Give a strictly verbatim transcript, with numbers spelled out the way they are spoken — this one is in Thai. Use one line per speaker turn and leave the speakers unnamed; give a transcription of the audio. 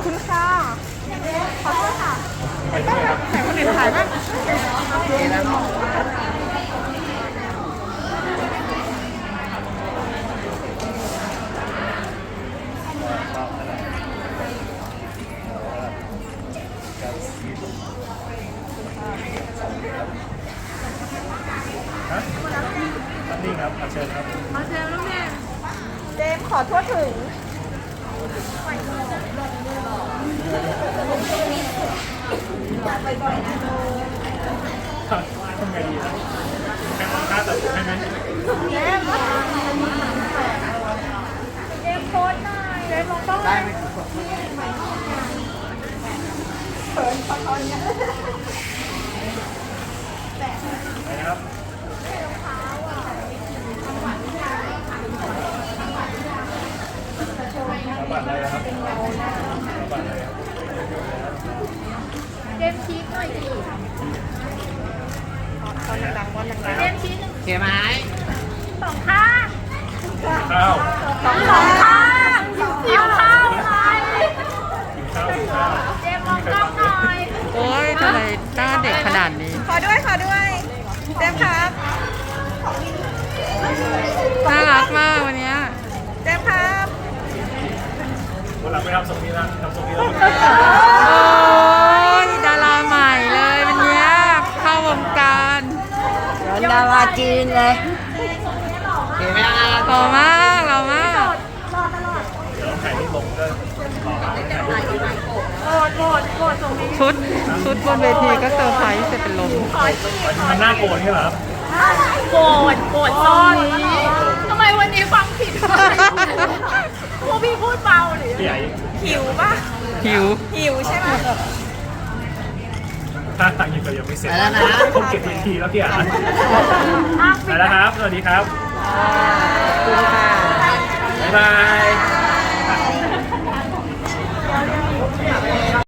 คุณค่ะขอโทษค่ะต้องแบบถ่ายคนอื่นถ่ายบ้างโอเคแล้วเนาะ
ฮะนี่ครับเชิญครับ
มาเจมส์แล้วแม่เจมส์ขอทั่วถึง
ทำไงดีนะแค่ค่าตัดให้ไหม
เจมส์เจมส์โพสหน่อยเจมส์ลงต้องได้ไหมเขินขอโทษเนี่ย
ไปนะครับบัตรอะไรครับบัตรอะไรครับ
เจมส์ชี้หน่อยดิตอนดังๆวันดังๆเจมส์ชี้หนึ่ง
เขียไหม
สองข้าง
ข้าว
สองสองข้างหิวข้าวไหม
กินข้าวกินข้าว
เจมส์มองกล้องหน่อย
โอ้ยทำไมหน้าเด็กขนาดนี้
ขอด้วยขอด้วยเจมส์ครับ
น่ารักมากวันเนี้ย
เจมส์ครับ
วันหลังไปทำทรงนี้นะทำทรงนี้แล้ว
โอ้ยดาราใหม่เลยวันเนี้ยเข้าวงการ
เหมือนดาราจีนเลยเขียไหมนะ
หล่อมากหล่อมาก
เดี๋ยวถ่ายรูปลงก็ต่อถ่ายรูปลง
โกรธโกรธโกรธตรงนี้
ชุดชุดบนเวทีก็เซอร์ไพรส์จะเป็นลม
มันน่าโกรธนี่เหรอครับ
โกรธโกรธตอนนี้ทำไมวันนี้ฟังผิดพวกพี่พูดเบาหรือ
พี่ใหญ่
หิวป่ะ
หิว
หิวใช่ไหม
ถ้าต่างยังก็ยังไม่เสร็จ
ไปแล้วนะ
ผมเก็บทีทีแล้วพี่อ่ะไปแล้วครับสวัสดีครับ
ขอบคุณค่ะ
บ๊ายบาย